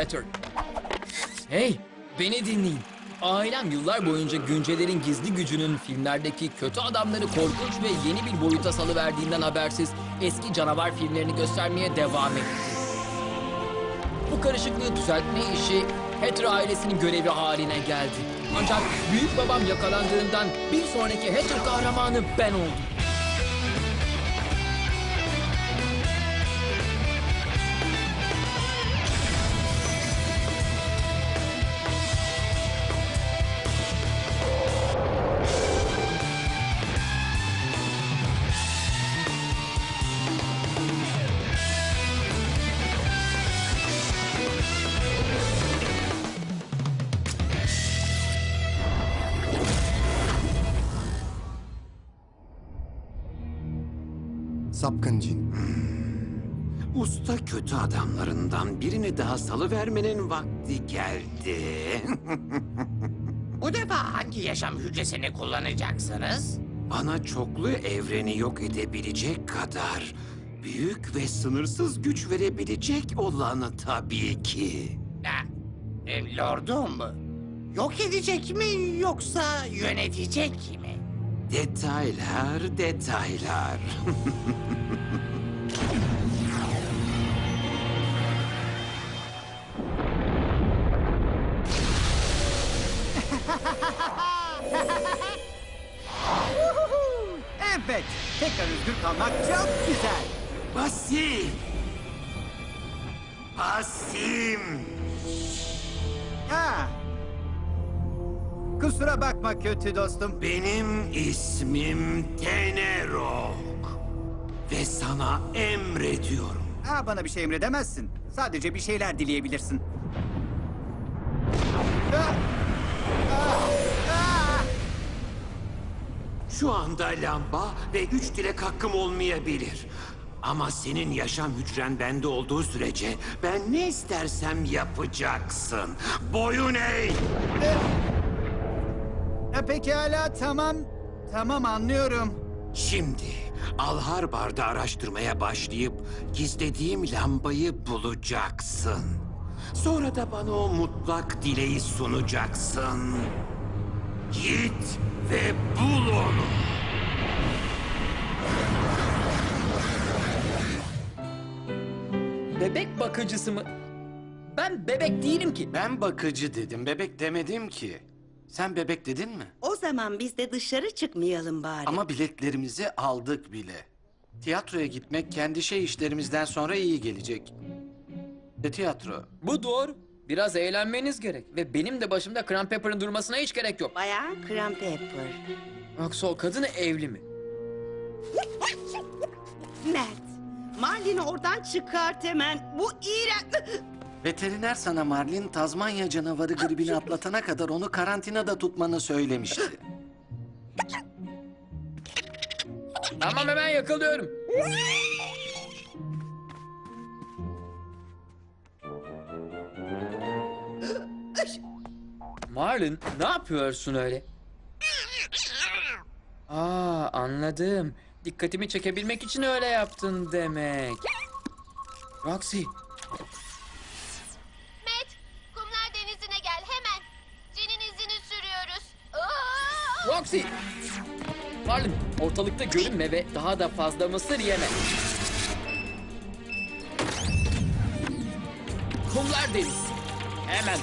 Hatter. Hey, beni dinleyin. Ailem yıllar boyunca güncelerin gizli gücünün filmlerdeki kötü adamları korkunç ve yeni bir boyuta salıverdiğinden habersiz eski canavar filmlerini göstermeye devam etti. Bu karışıklığı düzeltme işi Hatter ailesinin görevi haline geldi. Ancak büyük babam yakalandığından bir sonraki Hatter kahramanı ben oldum. Sapkın cin. Usta kötü adamlarından birini daha salıvermenin vakti geldi. Bu defa hangi yaşam hücresini kullanacaksınız? Bana çoklu evreni yok edebilecek kadar büyük ve sınırsız güç verebilecek olanı tabii ki. Ha, Lordum mu? Yok edecek mi yoksa yönetecek mi? Detaylar, detaylar. Evet, tekrar özgür kalmak çok güzel. Basim! Basim! Ha. Kusura bakma kötü dostum. Benim ismim Tenerok. Ve sana emrediyorum. Ha, bana bir şey emredemezsin. Sadece bir şeyler dileyebilirsin. Ha. Şu anda lamba ve 3 dilek hakkım olmayabilir. Ama senin yaşam hücren bende olduğu sürece ben ne istersem yapacaksın. Boyun eğ! Pekala, tamam. Tamam, anlıyorum. Şimdi Alharbar'da araştırmaya başlayıp gizlediğim lambayı bulacaksın. Sonra da bana o mutlak dileği sunacaksın. Git ve bul onu. Bebek bakıcısı mı? Ben bebek değilim ki. Ben bakıcı dedim, bebek demedim ki. Sen bebek dedin mi? O zaman biz de dışarı çıkmayalım bari. Ama biletlerimizi aldık bile. Tiyatroya gitmek kendi işlerimizden sonra iyi gelecek. Tiyatro. Bu doğru. Biraz eğlenmeniz gerek. Ve benim de başımda Cran Pepper'ın durmasına hiç gerek yok. Bayağı Cran Pepper. Yoksa o kadın evli mi? Mert, Marlin'i oradan çıkart hemen. Bu iğrenç. Veteriner sana Marlin, Tazmanya canavarı gribini atlatana kadar onu karantinada tutmanı söylemişti. Tamam, hemen yakalıyorum. Marlin, ne yapıyorsun öyle? Aa, anladım. Dikkatimi çekebilmek için öyle yaptın demek. Roxy, Matt, kumlar denizine gel hemen. Cin'in izini sürüyoruz. Aa! Roxy! Marlin, ortalıkta görünme ve daha da fazla mısır yeme. Kumlar deniz. Hemen.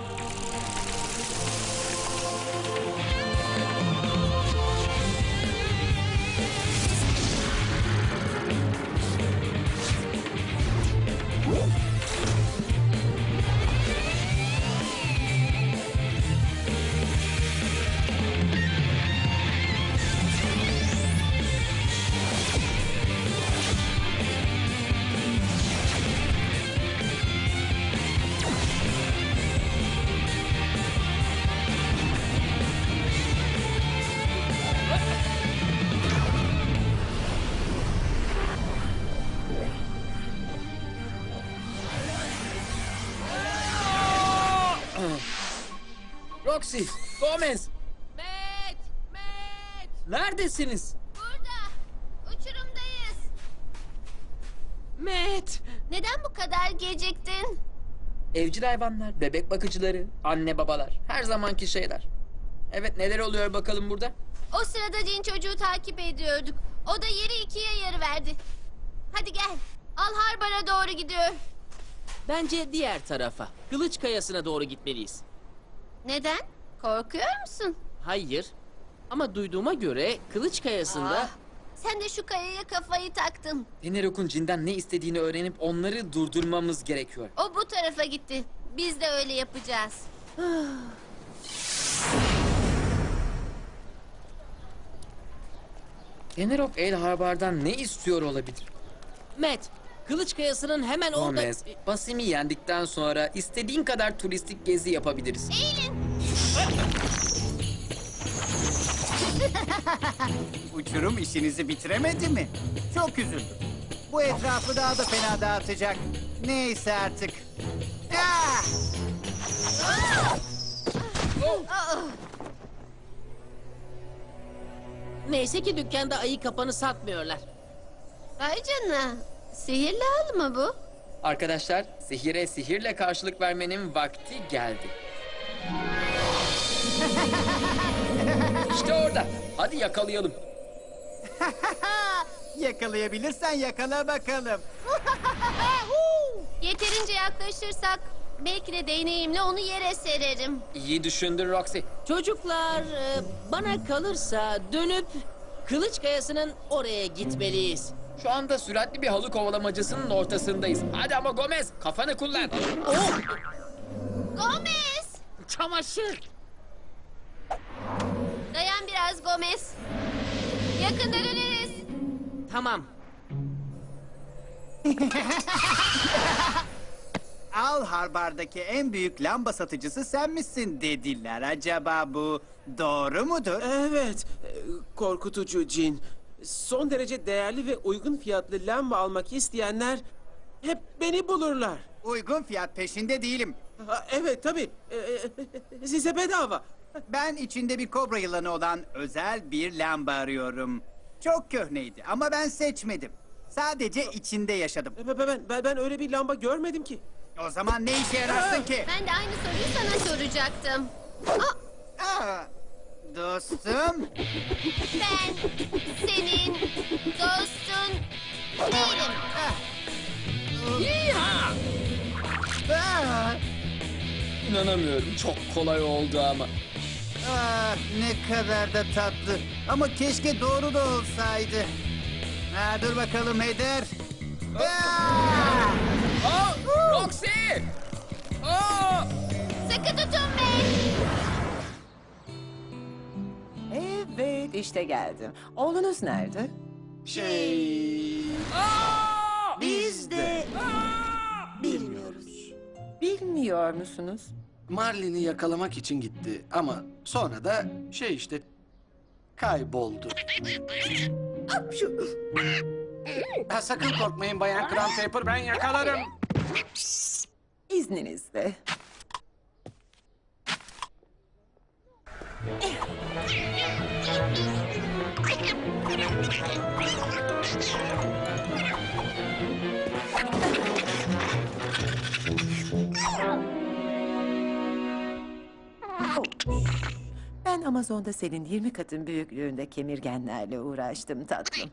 Roxy, Gomez, Matt, Matt, neredesiniz? burada. Uçurumdayız. Matt! Neden bu kadar geciktin? Evcil hayvanlar, bebek bakıcıları, anne babalar. Her zamanki şeyler. Evet, neler oluyor bakalım burada? O sırada cin çocuğu takip ediyorduk. O da yeri ikiye yarı verdi. Hadi gel. Al Harbar'a doğru gidiyor. Bence diğer tarafa. Kılıç Kayası'na doğru gitmeliyiz. Neden? Korkuyor musun? Hayır. Ama duyduğuma göre Kılıç Kayası'nda... Ah, sen de şu kayaya kafayı taktın. Enerok'un cinden ne istediğini öğrenip onları durdurmamız gerekiyor. O bu tarafa gitti. Biz de öyle yapacağız. Enerok El Harbar'dan ne istiyor olabilir? Matt, Kılıç Kayası'nın hemen orada... Gomez, Basim'i yendikten sonra istediğin kadar turistik gezi yapabiliriz. Eğilin. Uçurum işinizi bitiremedi mi? Çok üzüldüm. Bu etrafı daha da fena dağıtacak. Neyse artık. Ah! Neyse ki dükkanda ayı kapanı satmıyorlar. Ay canına. Sihirli hal mı bu? Arkadaşlar, sihire sihirle karşılık vermenin vakti geldi. İşte orada. Hadi yakalayalım. Yakalayabilirsen yakala bakalım. Yeterince yaklaşırsak belki de değneğimle onu yere sererim. İyi düşündün Roxy. Çocuklar, bana kalırsa dönüp Kılıç Kayası'nın oraya gitmeliyiz. Şu anda süratli bir halı kovalamacasının ortasındayız. Hadi ama Gomez, kafanı kullan. Gomez! Çamaşır! Dayan biraz Gomez. Yakında döneriz. Tamam. Al Harbar'daki en büyük lamba satıcısı sen misin dediler. Acaba bu doğru mudur? Evet, korkutucu cin. Son derece değerli ve uygun fiyatlı lamba almak isteyenler hep beni bulurlar. Uygun fiyat peşinde değilim. Ha, evet tabii, size bedava. Ben içinde bir kobra yılanı olan özel bir lamba arıyorum. Çok köhneydi ama ben seçmedim. Sadece içinde yaşadım. Ben öyle bir lamba görmedim ki. O zaman ne işe yararsın ki? Ben de aynı soruyu sana soracaktım. Aa, dostum. Ben senin dostun değilim. Aa, İnanamıyorum, çok kolay oldu ama. ne kadar da tatlı. Ama keşke doğru da olsaydı. Dur bakalım Heder. Roxy! Aa! Sıkı tutun beni. Evet, işte geldim. Oğlunuz nerede? Biz de. Bilmiyoruz. Bilmiyor musunuz? Marlin'i yakalamak için gitti ama sonra da işte kayboldu. Sakın korkmayın Bayan Crown Paper, ben yakalarım. İzninizle. Ben Amazon'da senin 20 katın büyüklüğünde kemirgenlerle uğraştım tatlım.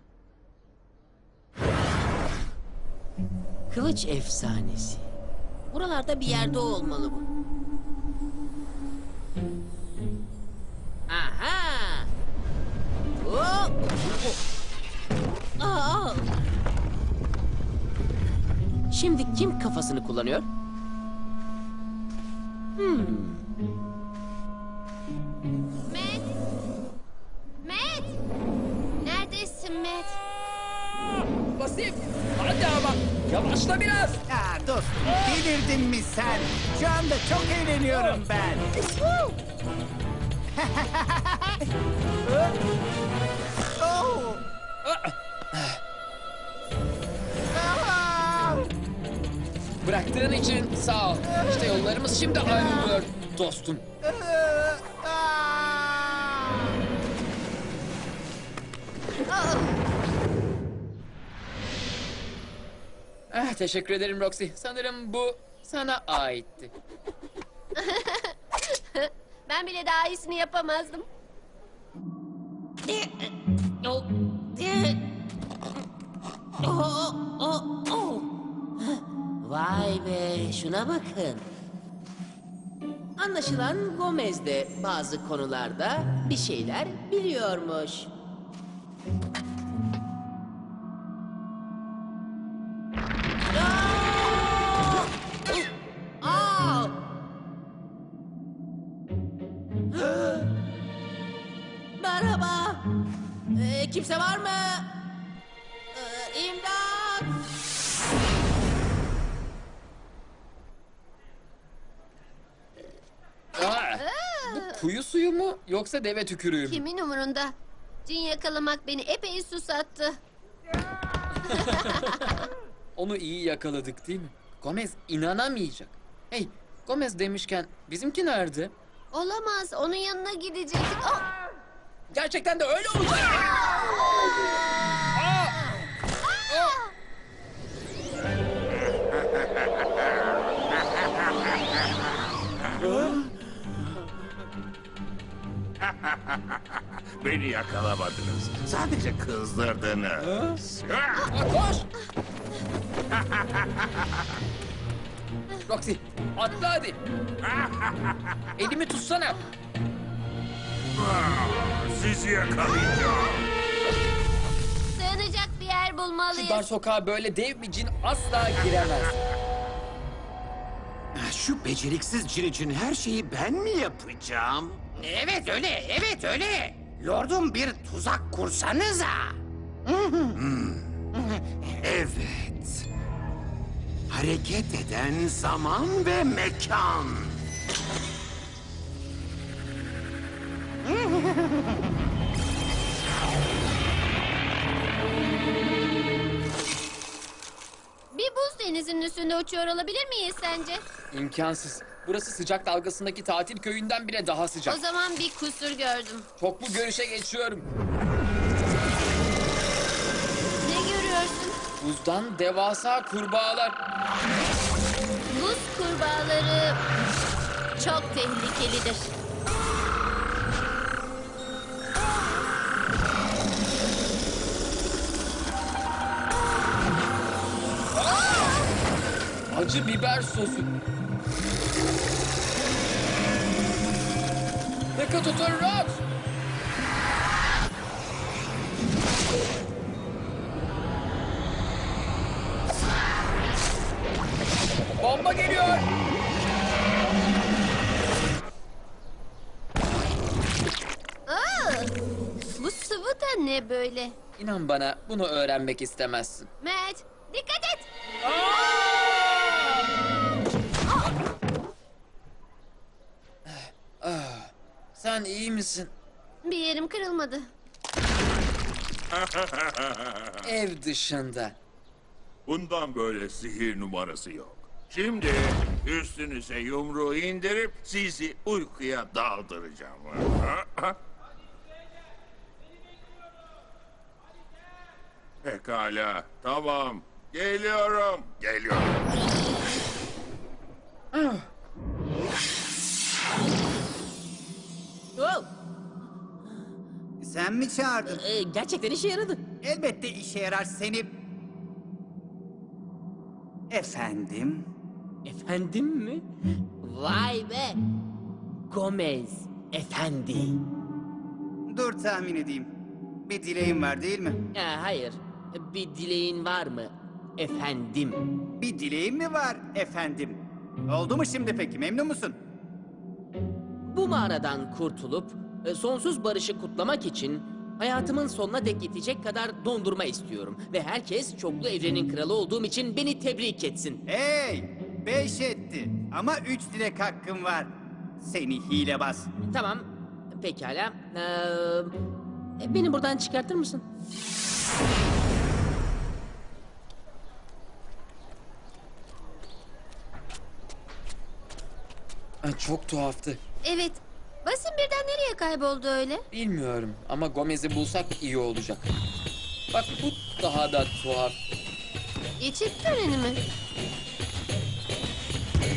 Kılıç efsanesi. Buralarda bir yerde olmalı bu. Aha! Hop! Aa! Şimdi kim kafasını kullanıyor? Matt. Matt. Neredesin Matt? Basim, hadi ama. Yavaşla biraz. Dostum, delirdin mi sen? Şu anda çok eğleniyorum ben. Oh! Bıraktığın için sağ ol. İşte yollarımız şimdi ayrılıyor dostum. Teşekkür ederim Roxy. Sanırım bu sana aitti. Ben bile daha iyisini yapamazdım. Vay be, şuna bakın. Anlaşılan Gomez de bazı konularda bir şeyler biliyormuş. Aa! Merhaba. Kimse var mı? İmdat! Aa, bu kuyu suyu mu yoksa deve tükürüğü mü? Kimin umurunda? Cin yakalamak beni epey susattı. Onu iyi yakaladık değil mi? Gomez inanamayacak. Hey, Gomez demişken bizimki nerede? Olamaz, onun yanına gidecektik. Oh! Gerçekten de öyle olacak. Aa! Beni yakalamadınız. Sadece kızdırdınız. Aa, koş! Roxy, atla hadi. Elimi tutsana. Sizi yakalayacağım. Sığınacak bir yer Şu bulmalıyız. dar sokağa böyle dev bir cin asla giremez. Şu beceriksiz cin için her şeyi ben mi yapacağım? Evet öyle, evet öyle. Lordum bir tuzak kursanıza. Evet. Hareket eden zaman ve mekan. Bir buz denizinin üstünde uçuyor olabilir miyiz sence? İmkansız. Burası sıcak dalgasındaki tatil köyünden bile daha sıcak. O zaman bir kusur gördüm. Çoklu görüşe geçiyorum. Ne görüyorsun? Buzdan devasa kurbağalar. Buz kurbağaları çok tehlikelidir. Acı biber sosu. Dikkat tutun Rox. Bomba geliyor. Aa, bu sıvı da ne böyle? İnan bana bunu öğrenmek istemezsin. Matt, dikkat et. Sen iyi misin? Bir yerim kırılmadı. Ev dışında. Bundan böyle sihir numarası yok. Şimdi üstünüze yumruğu indirip sizi uykuya daldıracağım. Pekala, tamam. Geliyorum, geliyorum. Wow, Sen mi çağırdın? gerçekten işe yaradı. Elbette işe yarar seni. Efendim? Efendim mi? Vay be! Gomez, efendi. Dur tahmin edeyim. Bir dileğin var değil mi? Hayır, bir dileğin var mı? Efendim. Bir dileğin mi var efendim? Oldu mu şimdi peki, memnun musun? Bu mağaradan kurtulup sonsuz barışı kutlamak için hayatımın sonuna dek yetecek kadar dondurma istiyorum. Ve herkes çoklu evrenin kralı olduğum için beni tebrik etsin. Hey! 5 etti. Ama 3 dilek hakkım var. Seni hilebaz. Tamam, pekala. Beni buradan çıkartır mısın? Çok tuhaftı. Evet. Basim birden nereye kayboldu öyle? Bilmiyorum ama Gomez'i bulsak iyi olacak. Bak bu daha da tuhaf. Geçit töreni mi?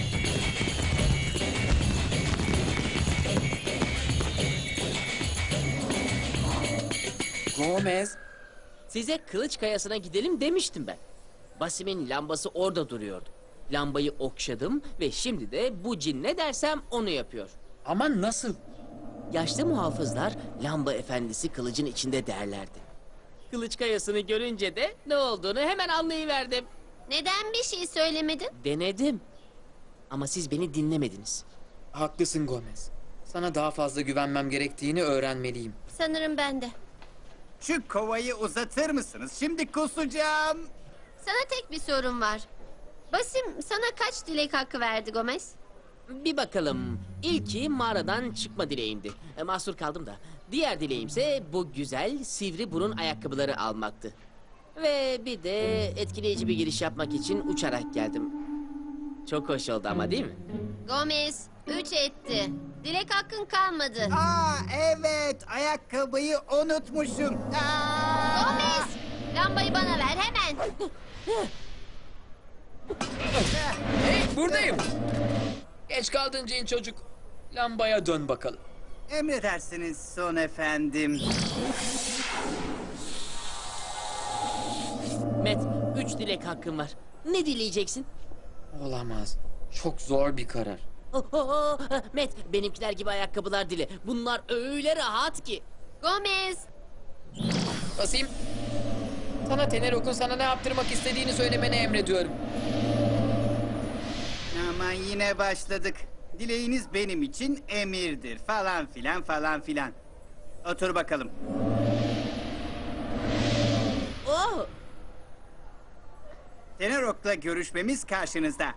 Gomez. Size kılıç kayasına gidelim demiştim ben. Basim'in lambası orada duruyordu. Lambayı okşadım ve şimdi de bu cin ne dersem onu yapıyor. Ama nasıl? Yaşlı muhafızlar lamba efendisi kılıcın içinde derlerdi. Kılıç kayasını görünce de ne olduğunu hemen anlayıverdim. Neden bir şey söylemedin? Denedim. Ama siz beni dinlemediniz. Haklısın Gomez. Sana daha fazla güvenmem gerektiğini öğrenmeliyim. Sanırım ben de. Şu kovayı uzatır mısınız? Şimdi kusacağım. Sana tek bir sorun var. Basim sana kaç dilek hakkı verdi Gomez? Bir bakalım. İlki mağaradan çıkma dileğimdi. Mahsur kaldım da. Diğer dileğimse bu güzel sivri burun ayakkabıları almaktı. Ve bir de etkileyici bir giriş yapmak için uçarak geldim. Çok hoş oldu ama değil mi? Gomez 3 etti. Dilek hakkın kalmadı. Aa evet, ayakkabıyı unutmuşum. Aa! Gomez lambayı bana ver hemen. Hey, buradayım. Geç kaldın cin çocuk. Lambaya dön bakalım. Emredersiniz son efendim. Met, 3 dilek hakkın var. Ne dileyeceksin? Olamaz. Çok zor bir karar. Met, benimkiler gibi ayakkabılar dile. Bunlar öyle rahat ki. Gomez Basayım. Sana Tenerok'un sana ne yaptırmak istediğini söylemeni emrediyorum. Aman yine başladık. Dileğiniz benim için emirdir falan filan falan filan. Otur bakalım. Oh! Tenerok'la görüşmemiz karşınızda.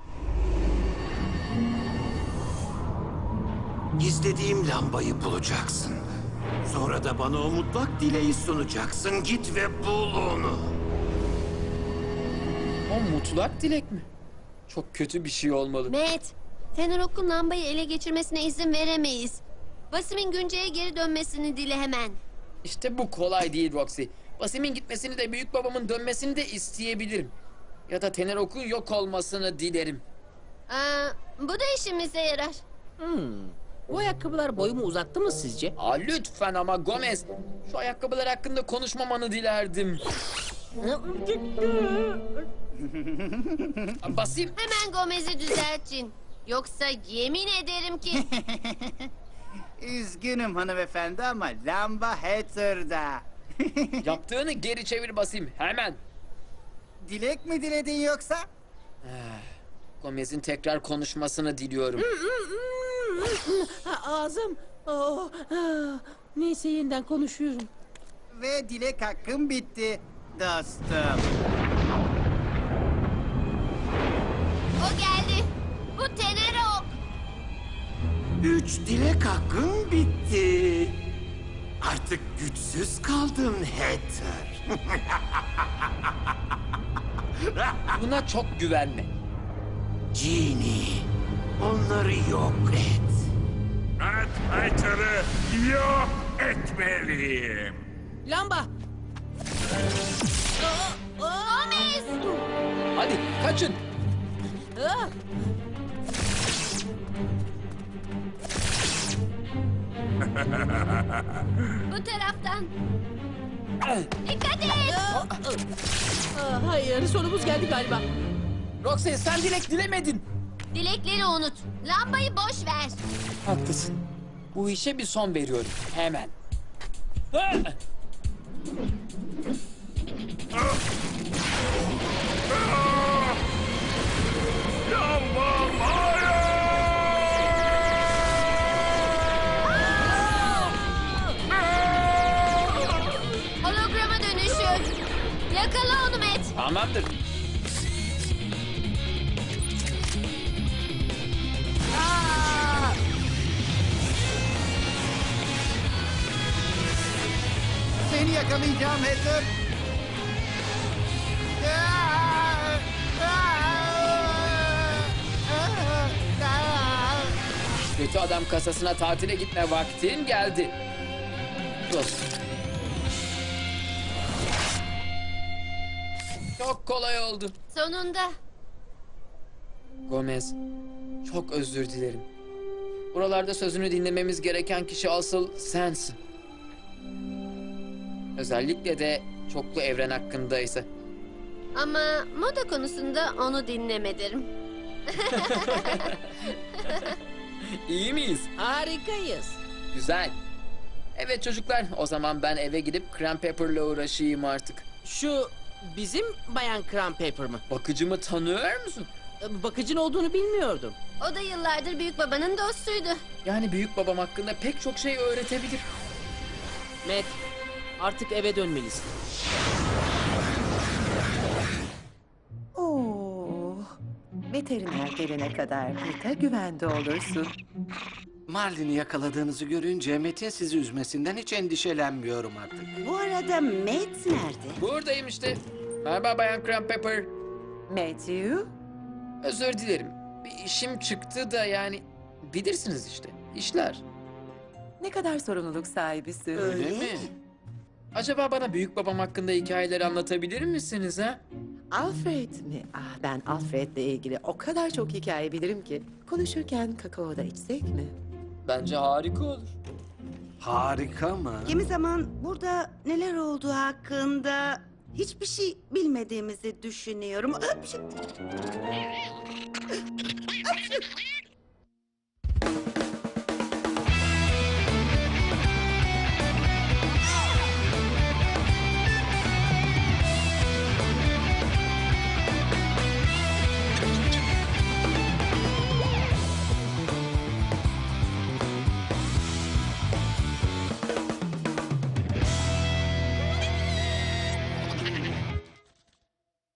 Gizlediğim lambayı bulacaksın. Sonra da bana o mutlak dileği sunacaksın. Git ve bul onu. O mutlak dilek mi? Çok kötü bir şey olmalı. Matt, Tenerok'un lambayı ele geçirmesine izin veremeyiz. Basim'in günceye geri dönmesini dile hemen. İşte bu kolay değil Roxy. Basim'in gitmesini de büyük babamın dönmesini de isteyebilirim. Ya da Tenerok'un yok olmasını dilerim. Bu da işimize yarar. Bu ayakkabılar boyumu uzattı mı sizce? Aa, lütfen ama Gomez. Şu ayakkabılar hakkında konuşmamanı dilerdim. Basim. Hemen Gomez'i düzeltin. Yoksa yemin ederim ki... Üzgünüm hanımefendi ama lamba Hatter'da. Yaptığını geri çevir Basim. Hemen. Dilek mi diledin yoksa? Gomez'in tekrar konuşmasını diliyorum. Ağzım. Oh, neyse yeniden konuşuyorum. Ve dilek hakkım bitti dostum. O geldi. Bu Tenerok. 3 dilek hakkın bitti. Artık güçsüz kaldın Hatter. Buna çok güvenme. Genie, onları yok et. Hatter'ı yok etmeliyim. Lamba. Gomez! Hadi kaçın. Ah! Bu taraftan. Dikkat et! Hayır, sonumuz geldi galiba. Roxy sen dilek dilemedin. Dilekleri unut. Lambayı boş ver. Haklısın. Bu işe bir son veriyorum. Hemen. Lambam hayır! Holograma dönüşüyor. Yakala onu Matt. Tamamdır. Seni yakalayacağım Hatter. Kötü adam kasasına tatile gitme vaktin geldi. Dur. Çok kolay oldu. Sonunda. Gomez, çok özür dilerim. Buralarda sözünü dinlememiz gereken kişi asıl sensin. Özellikle de çoklu evren hakkındaysa. Ama moda konusunda onu dinlemedim. İyi miyiz? Harikayız. Güzel. Evet çocuklar, o zaman ben eve gidip Cran Pepper'la uğraşayım artık. Şu bizim Bayan Cran Pepper mı? Bakıcımı tanıyor musun? Bakıcın olduğunu bilmiyordum. O da yıllardır büyük babanın dostuydu. Yani büyük babam hakkında pek çok şey öğretebilir. Matt, artık eve dönmelisin. Oo, veteriner gelene kadar burada güvende olursun. Marlin'i yakaladığınızı görünce Metin sizi üzmesinden hiç endişelenmiyorum artık. Bu arada Matt nerede? Buradayım işte. Merhaba Bayan Cran Pepper. Matthew, Özür dilerim. Bir işim çıktı da yani bilirsiniz işte. İşler. ne kadar sorumluluk sahibisin. Öyle mi? Acaba bana büyük babam hakkında hikayeleri anlatabilir misiniz ha? Alfred mi? Ah, ben Alfred'le ilgili o kadar çok hikaye bilirim ki. Konuşurken kakao da içsek mi? Bence harika olur. Harika mı? Kimi zaman burada neler olduğu hakkında hiçbir şey bilmediğimizi düşünüyorum.